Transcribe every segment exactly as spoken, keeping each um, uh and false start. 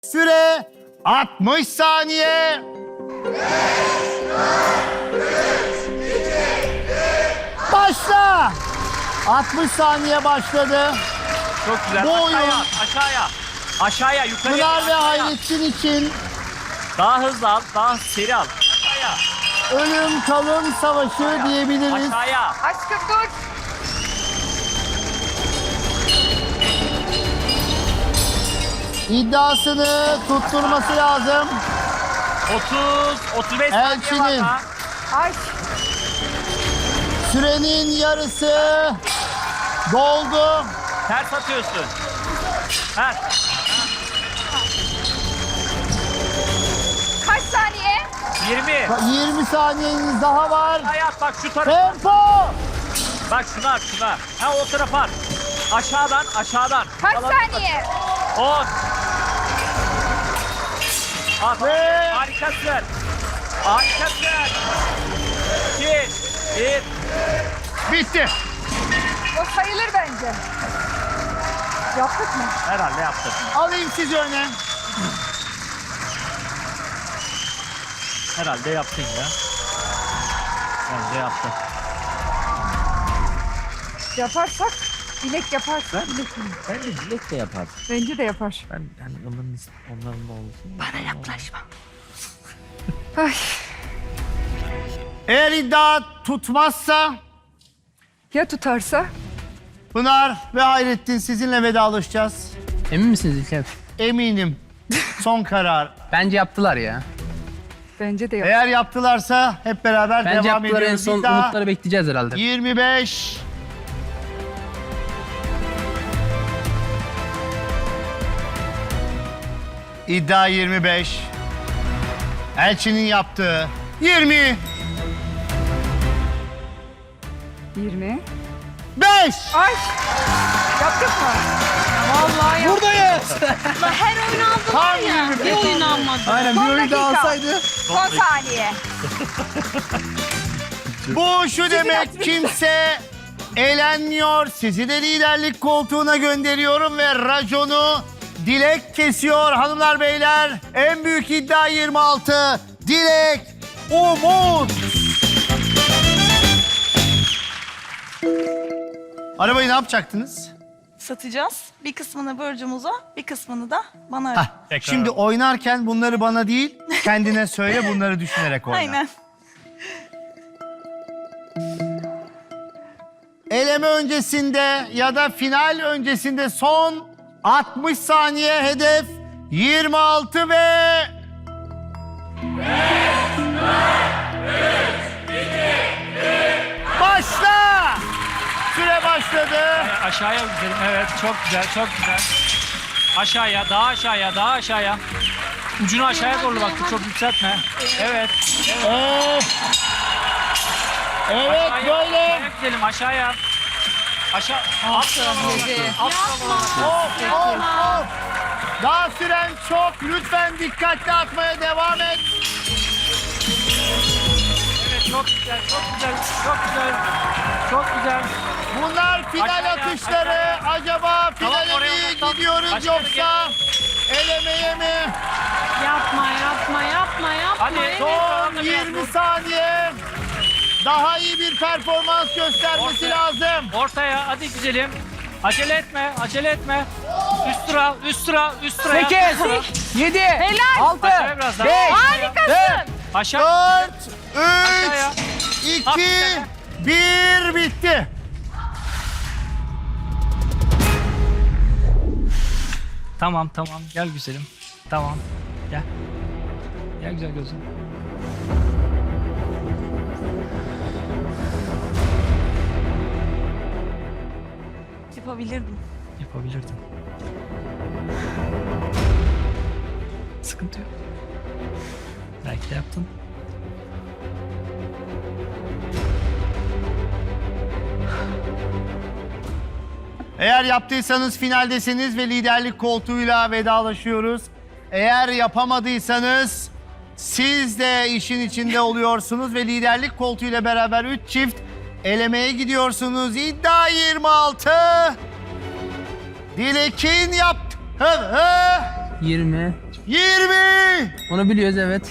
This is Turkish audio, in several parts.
Süre altmış saniye. Başla. altmış saniye başladı. Çok güzel. Bu oyun- Aşağıya, aşağıya. Aşağıya, yukarıya. Pınar ve aşağıya. Hayrettin için Daha hızlı al, daha seri al. Aşağıya, ölüm kalım savaşı diyebiliriz. aşağıya. Aşkım dur. İddiasını tutturması lazım. otuz, otuz beş saniye var Elçinin. daha. Ay. Sürenin yarısı doldu. Ters atıyorsun. Ters. Kaç saniye? yirmi. yirmi saniyeniz daha var. Hayat bak şu tarafa. Tempo. Bak şuna, şuna. Ha o tarafa at. Aşağıdan, aşağıdan. Kaç Yalan- saniye? on. At. Ve- Harikasın. Harikasın. iki, bir. Bitti. O sayılır bence. Yaptık mı? Herhalde yaptın. Alayım sizi öne. Herhalde yaptın ya. Bence yaptın. Yaparsak bilek yapar. Ben- Bilek. Bence Dilek de yapar. Bence de yapar. Ben yani onların, onların da olsun. Bana yaklaşma. Ay. Eğer iddia tutmazsa Ya tutarsa? Pınar ve Hayrettin sizinle vedalaşacağız. Emin misiniz İlker? Eminim. Son karar. Bence yaptılar ya. Bence de yapar. Eğer yaptılarsa hep beraber Bence devam yaptılar, en ediyoruz. son İddia umutları bekleyeceğiz herhalde. yirmi beş. İddia yirmi beş. Elçinin yaptığı yirmi yirmi. beş. Ay. Yaptık mı? Vallahi yaptık. Buradayız. Her oyun aldılar Tam ya. yirmi Bir beş. oyun almadı. Aynen Son dakika. Son saniye. Bu şu demek, kimse eğlenmiyor. Sizi de liderlik koltuğuna gönderiyorum ve raconu Dilek kesiyor hanımlar beyler. En büyük iddia yirmi altı. Dilek, Umut. Arabayı ne yapacaktınız? Satacağız. Bir kısmını Burcu'muza, bir kısmını da bana. Hah, şimdi oynarken bunları bana değil, kendine söyle, bunları düşünerek oyna. Aynen. Eleme öncesinde ya da final öncesinde son altmış saniye, hedef yirmi altı ve... Başla! Süre başladı. Aşağıya gidelim. Evet, çok güzel, çok güzel. Aşağıya, daha aşağıya, daha aşağıya. Ucunu aşağıya doğru baktı, çok yükseltme. Evet. Evet. Evet, Aşağıya, böyle. aşağıya gidelim, aşağıya. Aşağı. Alt tarafa. Alt tarafa. Of, of, of. Daha süren çok. Lütfen dikkatli atmaya devam et. Evet, çok güzel, çok güzel, çok güzel. Çok güzel. Bunlar final Aşağıya, atışları. aşağıya. Acaba Tamam, finale oraya mi odaklan. gidiyoruz Başka yere yoksa elemeye mi? Yapma, yapma, yapma, yapma. Hadi, Evet. Son biraz yirmi dur. saniye. Daha iyi bir performans göstermesi Ortaya. lazım. Ortaya, hadi güzelim. Acele etme, acele etme. Üst sıra, üst sıra, üst sıra. sekiz, yedi, altı, Aşağıya biraz daha. beş, Harikasın. Aşağı. dört, Aşağıya. üç, iki, Hafiften. bir, bitti. Tamam, tamam. Gel güzelim. Tamam. Gel. Gel güzel gözüm. Yapabilirdim. Yapabilirdin. Sıkıntı yok. Belki de yaptın. Eğer yaptıysanız finaldesiniz ve liderlik koltuğuyla vedalaşıyoruz. Eğer yapamadıysanız siz de işin içinde oluyorsunuz ve liderlik koltuğuyla beraber üç çift elemeye gidiyorsunuz. İddia yirmi altı. Dilek'in yaptığı yirmi, yirmi. Onu biliyoruz evet.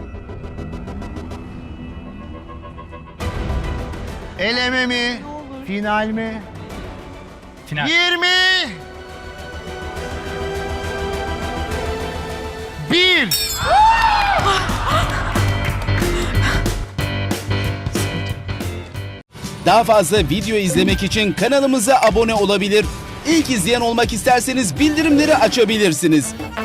Eleme mi? Final mi? Final. yirmi. Bir. Daha fazla video izlemek için kanalımıza abone olabilir. İlk izleyen olmak isterseniz bildirimleri açabilirsiniz.